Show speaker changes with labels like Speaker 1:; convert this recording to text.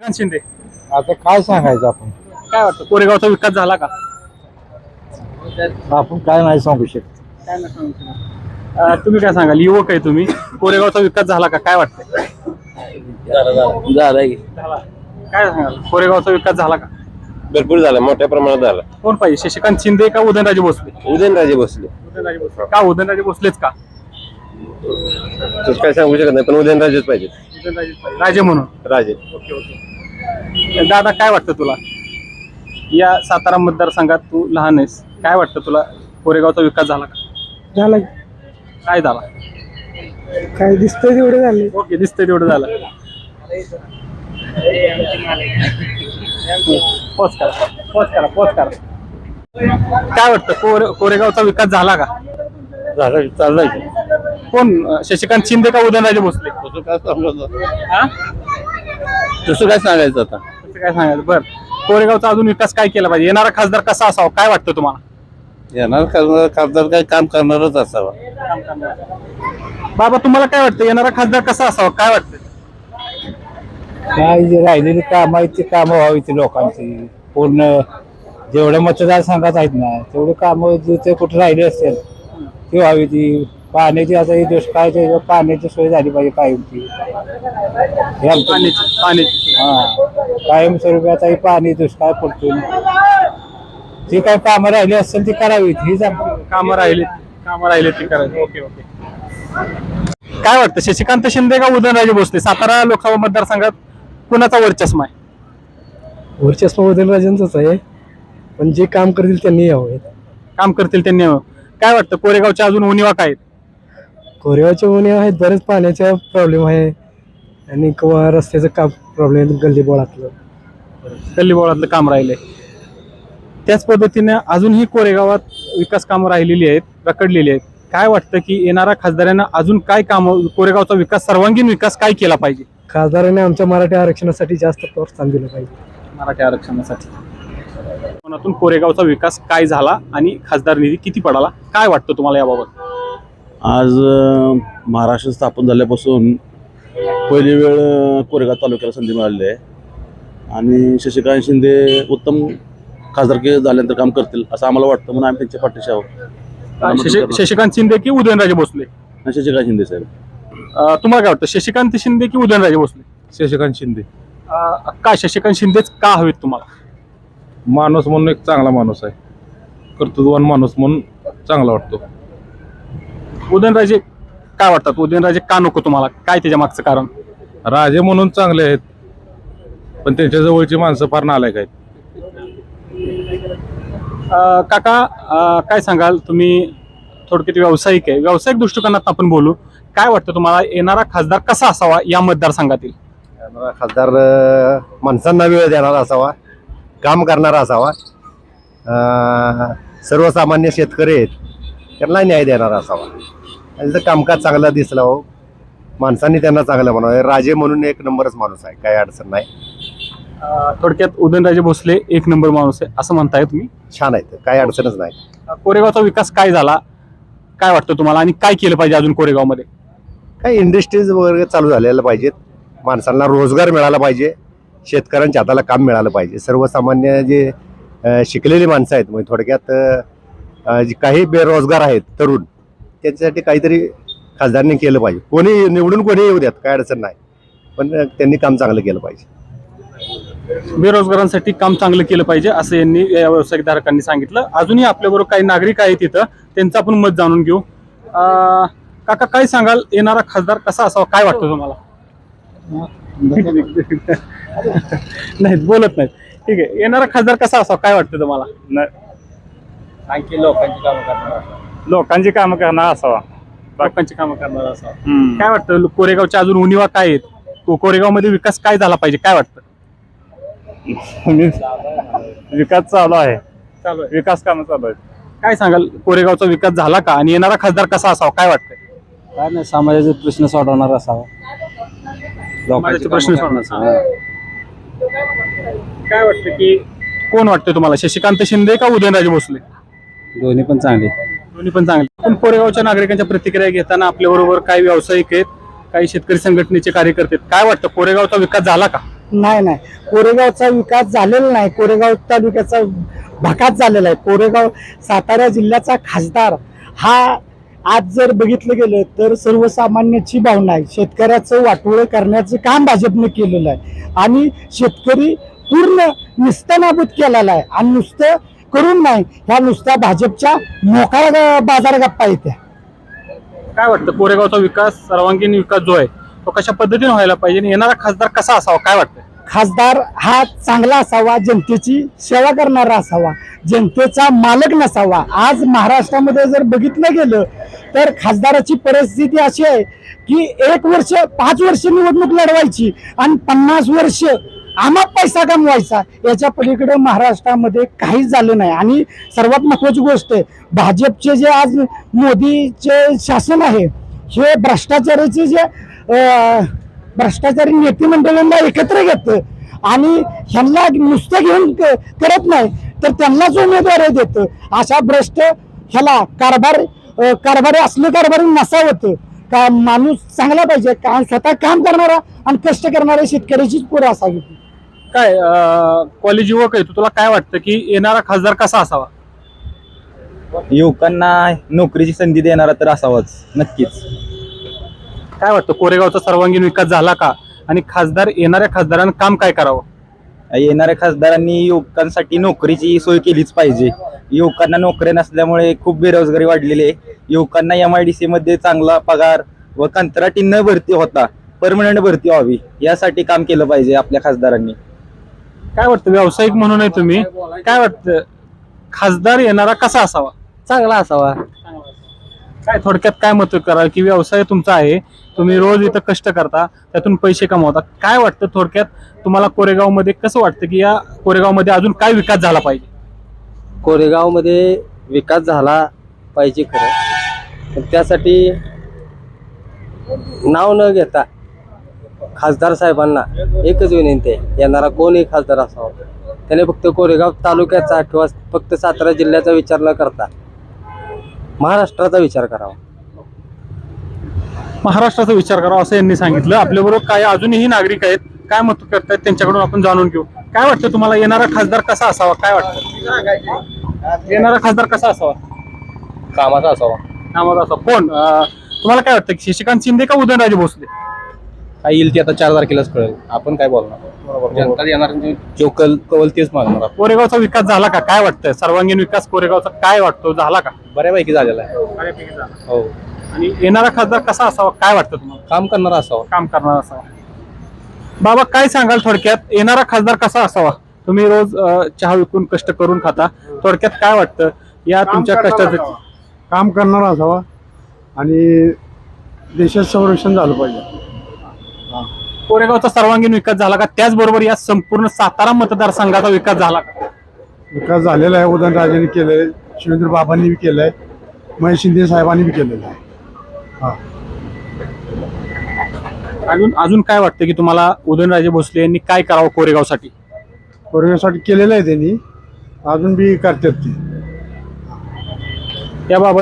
Speaker 1: शशिकांत शिंदे?
Speaker 2: आता काय सांगायचं आपण
Speaker 1: काय वाटतं कोरेगावचा विकास झाला का?
Speaker 2: आपण काय नाही सांगू शकत.
Speaker 1: काय नाही सांगू शकत. तुम्ही काय सांगाल, युवक आहे तुम्ही, कोरेगावचा विकास झाला का? काय वाटतंय?
Speaker 2: झालंय
Speaker 1: झाला. काय सांगाल, कोरेगावचा विकास झाला का?
Speaker 3: भरपूर झाला, मोठ्या प्रमाणात झाला.
Speaker 1: कोण पाहिजे, शशिकांत शिंदे का उदयनराजे भोसले?
Speaker 3: उदयनराजे भोसले.
Speaker 1: उदयनराजे भोसले का? उदयनराजे भोसलेच का?
Speaker 3: तसं काय सांगू शकत नाही, पण उदयनराजेच पाहिजे.
Speaker 1: उदयनराजेच पाहिजे. राजे म्हणून.
Speaker 3: राजे.
Speaker 1: Okay okay. दादा काय वाटतं तुला, या सातारा मतदारसंघात तू लहान आहेस, काय वाटतं तुला, कोरेगावचा विकास झाला का?
Speaker 2: झालं
Speaker 1: काय झाला?
Speaker 2: काय दिसतंय तेवढं झाले.
Speaker 1: ओके, दिसतंय तेवढं झालं. पोच करा, पोच करा, पोच करा. काय वाटतं, कोरेगावचा विकास झाला का?
Speaker 2: झालं चाललंय.
Speaker 1: कोण, शशिकांत शिंदे का उदयनराजे भोसले?
Speaker 2: तसं काय सांगायचं,
Speaker 1: हा?
Speaker 2: तसं काय सांगायचं आता.
Speaker 1: तसं काय सांगायचं. बरं, कोरेगावचा अजून विकास काय केला पाहिजे, येणारा खासदार कसा असावा, काय वाटतं तुम्हाला?
Speaker 2: येणार खासदार काय काम करणारच असावा.
Speaker 1: बाबा तुम्हाला काय वाटतं, येणारा खासदार कसा असावा, काय वाटतं?
Speaker 2: काय जे राहिलेली काम आहेत ती कामं व्हावी ती लोकांची पूर्ण, जेवढ्या मतदारसंघात आहेत ना तेवढे कामं जिथे कुठे राहिले असेल ती व्हावी. ती पाण्याची, आता ही दुष्काळाची पाण्याची सोय झाली पाहिजे कायमची.
Speaker 1: पाण्याची.
Speaker 2: हा, कायमस्वरूपी आता ही पाणी दुष्काळ पडतो, जी काही कामं राहिली असेल ती करावीत, हीच आमची.
Speaker 1: कामं राहिले ती करायची. Okay okay. काय वाटतं, शशिकांत शिंदे का उदयनराजे भोसले, सातारा लोकसभा मतदारसंघात कुणाचा वर्चस्व आहे?
Speaker 2: वर्चस्व उदयनराजेंचंच आहे, पण जे काम करतील त्यांनी यावं.
Speaker 1: काम करतील त्यांनी. काय वाटतं, कोरेगावच्या अजून उणिवा काय आहेत?
Speaker 2: कोरेगावचे उणे आहेत, बरेच पाण्याचा प्रॉब्लेम आहे आणि किंवा रस्त्याचं काम प्रॉब्लेम, गल्लीबोळातलं
Speaker 1: गल्लीबोळातलं काम राहिलंय. त्याच पद्धतीने अजूनही कोरेगावात विकास कामं राहिलेली आहेत, रखडलेली आहेत. काय वाटतं की येणाऱ्या खासदारांना अजून काय काम, कोरेगावचा विकास, सर्वांगीण विकास काय केला पाहिजे?
Speaker 2: खासदारांनी आमच्या मराठी आरक्षणासाठी जास्त प्रोत्साहन दिलं पाहिजे.
Speaker 1: मराठी आरक्षणासाठी कोकणातून कोरेगावचा विकास काय झाला आणि खासदार निधी किती पडाला, काय वाटतं तुम्हाला याबाबत?
Speaker 4: आज महाराष्ट्र स्थापन झाल्यापासून पहिली वेळ कोरेगाव तालुक्याला संधी मिळालेली आहे आणि शशिकांत शिंदे उत्तम खासदारकी झाल्यानंतर काम करतील असं आम्हाला वाटतं, म्हणून आम्ही त्यांच्या पाठीशी आहोत.
Speaker 1: शशिकांत शिंदे की उदयनराजे भोसले?
Speaker 4: शशिकांत शिंदे साहेब.
Speaker 1: तुम्हाला काय वाटतं, शशिकांत शिंदे की उदयनराजे भोसले?
Speaker 2: शशिकांत शिंदे.
Speaker 1: काय शशिकांत शिंदेच का हवेत तुम्हाला?
Speaker 2: माणूस म्हणून एक चांगला माणूस आहे, कर्तृत्ववान माणूस म्हणून चांगला वाटतो.
Speaker 1: उदयनराजे काय वाटतात, उदयनराजे का नको तुम्हाला, काय त्याच्या मागचं कारण?
Speaker 2: राजे म्हणून चांगले आहेत, पण त्यांच्या जवळची माणसं फार नालायक आहेत.
Speaker 1: काका काय सांगाल, तुम्ही थोडक्यात व्यावसायिक आहे, व्यावसायिक दृष्टिकोनात आपण बोलू, काय वाटतं तुम्हाला, येणारा खासदार कसा असावा या मतदारसंघातील?
Speaker 3: खासदार माणसांना वेळ देणारा असावा, काम करणारा असावा, सर्वसामान्य शेतकरी आहेत त्यांना न्याय देणारा असावा. त्यांचं कामकाज चांगलं दिसलं हो, माणसांनी त्यांना चांगलं म्हणावं. राजे म्हणून एक नंबरच माणूस आहे, काही अडचण नाही.
Speaker 1: थोडक्यात उदयनराजे भोसले एक नंबर माणूस आहे असं म्हणताय तुम्ही?
Speaker 3: छान आहे, काही अडचणच नाही.
Speaker 1: कोरेगावचा विकास काय झाला, काय वाटतं तुम्हाला, आणि काय केलं पाहिजे अजून कोरेगावमध्ये?
Speaker 3: काही इंडस्ट्रीज वगैरे चालू झालेल्या पाहिजेत, माणसांना रोजगार मिळाला पाहिजे, शेतकऱ्यांच्या हाताला काम मिळालं पाहिजे. सर्वसामान्य जे शिकलेली माणसं आहेत, म्हणजे थोडक्यात जे काही बेरोजगार आहेत तरुण, त्यांच्यासाठी काहीतरी खासदारांनी केलं पाहिजे. कोणी निवडून कोणी येऊ द्यात, काय अडचण नाही, पण त्यांनी काम चांगलं केलं पाहिजे.
Speaker 1: बेरोजगारांसाठी काम चांगलं केलं पाहिजे असं यांनी, या व्यावसायिकधारकांनी सांगितलं. अजूनही आपल्याबरोबर काही नागरिक आहेत तिथं, त्यांचं आपण मत जाणून घेऊ. काका काय सांगाल, येणारा खासदार कसा असावा, काय वाटतं तुम्हाला? नाही बोलत नाहीत, ठीक आहे. येणारा खासदार कसा असावा, काय वाटतं तुम्हाला?
Speaker 2: आणखी लोकांची कामं करणार,
Speaker 1: लोकांची कामं करणार असावा. लोकांची कामं करणार असावा. काय वाटतं, कोरेगावच्या अजून उणिवा काय आहेत, कोरेगाव मध्ये विकास काय झाला पाहिजे, काय वाटतं?
Speaker 2: विकास चालू आहे,
Speaker 1: विकास कामं चालू आहेत. काय सांगाल, कोरेगावचा विकास झाला का, आणि येणारा खासदार कसा असावा, काय वाटतंय?
Speaker 2: काय नाही, समाजाचे प्रश्न सोडवणार असावा,
Speaker 1: लोकांचे प्रश्न सोडवणार. काय वाटतं की कोण वाटतं तुम्हाला, शशिकांत शिंदे का उदयनराजे भोसले?
Speaker 2: दोन्ही पण चांगले.
Speaker 1: दोन्ही पण चांगले. पण कोरेगावच्या नागरिकांच्या प्रतिक्रिया घेताना आपल्याबरोबर काही व्यावसायिक आहेत, काही शेतकरी संघटनेचे कार्यकर्ते आहेत. काय वाटतं, कोरेगावचा विकास झाला का?
Speaker 5: नाही, कोरेगावचा विकास झालेला नाही. कोरेगाव तालुक्याचा भकास झालेला आहे. कोरेगाव सातारा जिल्ह्याचा खासदार हा आज जर बघितलं गेलं तर सर्वसामान्याची भावना आहे. शेतकऱ्याचं वाटोळं करण्याचं काम भाजपने केलेलं आहे आणि शेतकरी पूर्ण निस्तनाबूत केलेला आहे. आणि नुसतं करून नाही, ह्या नुसत्या भाजपच्या मोकळ्या बाजार गप्पा येत्या.
Speaker 1: काय वाटतं कोरेगावचा विकास, सर्वांगीण विकास जो आहे तो कशा पद्धतीने व्हायला पाहिजे आणि येणारा खासदार कसा असावा, काय वाटतं?
Speaker 5: खासदार हा चांगला असावा, जनतेची सेवा करणारा असावा, जनतेचा मालक नसावा. आज महाराष्ट्रामध्ये जर बघितलं गेलं तर खासदाराची परिस्थिती अशी आहे की 1 वर्ष 5 वर्ष निवडणूक लढवायची आणि 50 वर्ष आम्हा पैसा कमवायचा. याच्या पलीकडे महाराष्ट्रामध्ये काहीच झालं नाही. आणि सर्वात महत्वाची गोष्ट आहे, भाजपचे जे आज मोदीचे शासन आहे हे भ्रष्टाचाराचे जे भ्रष्टाचारी नेते मंडळांना एकत्र घेतं आणि ह्यांना नुसतं घेऊन करत नाही तर त्यांनाच उमेदवारी देतं. अशा भ्रष्ट ह्याला कारभारी असलं कारभारी नसावं का. माणूस चांगला पाहिजे, स्वतः काम करणारा आणि कष्ट करणाऱ्या शेतकऱ्याचीच पोरं असावी.
Speaker 1: काय कॉलेज युवक आहे, तुला काय वाटतं की येणारा खासदार कसा असावा?
Speaker 6: युवकांना नोकरीची संधी देणारा तर असावाच नक्कीच.
Speaker 1: काय वाटतं कोरेगावचा सर्वांगीण विकास झाला का आणि येणाऱ्या खासदारांना काम काय करावं?
Speaker 6: येणाऱ्या खासदारांनी युवकांसाठी नोकरीची सोय केलीच पाहिजे. युवकांना नोकऱ्या नसल्यामुळे खूप बेरोजगारी वाढलेली आहे. युवकांना MIDC मध्ये चांगला पगार व कंत्राटी न भरती होता परमनंट भरती व्हावी यासाठी काम केलं पाहिजे आपल्या खासदारांनी.
Speaker 1: काय वाटतं व्यावसायिक म्हणून आहे तुम्ही, काय वाटतं खासदार येणारा कसा असावा?
Speaker 7: चांगला असावा.
Speaker 1: काय थोडक्यात काय मत करा की व्यवसाय तुमचा आहे, तुम्ही रोज इथं कष्ट करता, त्यातून पैसे कमवता, काय वाटतं थोडक्यात तुम्हाला कोरेगावमध्ये कसं वाटतं की या कोरेगावमध्ये अजून काय विकास झाला पाहिजे?
Speaker 7: कोरेगावमध्ये विकास झाला पाहिजे खरं, पण त्यासाठी नाव न घेता खासदार साहेबांना एकच विनंती आहे, येणारा कोणही खासदार असावा त्याने फक्त कोरेगाव तालुक्याचा किंवा फक्त सातारा जिल्ह्याचा विचार न करता महाराष्ट्राचा विचार करावा.
Speaker 1: महाराष्ट्राचा विचार करावा असं यांनी सांगितलं. आपल्याबरोबर काय अजूनही नागरिक आहेत, काय मत करतायत त्यांच्याकडून आपण जाणून घेऊ. काय वाटतं तुम्हाला येणारा खासदार कसा असावा, काय वाटतं येणारा खासदार कसा असावा?
Speaker 7: कामाचा असावा.
Speaker 1: कामाचा असावा. कोण तुम्हाला काय वाटतं की शशिकांत शिंदे का उदयनराजे भोसले?
Speaker 7: काय येईल ते आता 4 तारखेलाच कळेल, आपण काय बोलणार. जनता येणार जो कवल तेच मागणार.
Speaker 1: कोरेगावचा विकास झाला का, काय वाटतं सर्वांगीण विकास कोरेगावचा काय वाटतो, झाला का?
Speaker 7: बऱ्यापैकी झालेला आहे. हो.
Speaker 1: आणि येणारा खासदार कसा असावा, काय वाटतं तुम्हाला?
Speaker 7: काम करणारा असावा.
Speaker 1: काम करणारा असावा. बाबा काय सांगाल थोडक्यात येणारा खासदार कसा असावा? तुम्ही रोज चहा विकून कष्ट करून खाता, थोडक्यात काय वाटतं या तुमच्या कष्टाचं?
Speaker 8: काम करणारा असावा आणि देशात संरक्षण झालं पाहिजे.
Speaker 1: कोरेगावचा सर्वांगीण विकास झाला का, त्याचबरोबर या संपूर्ण सातारा मतदारसंघाचा विकास झाला का?
Speaker 8: विकास झालेला आहे. उदयनराजेंनी केलंय, शिवेंद्र बाबांनी बी केलंय, महेश शिंदे साहेबांनी बी केलेलं आहे.
Speaker 1: अजून काय वाटतं की तुम्हाला उदयनराजे भोसले यांनी काय करावं कोरेगावसाठी?
Speaker 8: कोरोनासाठी केलेलं आहे त्यांनी, अजून बी करतात ते.
Speaker 1: याबाबत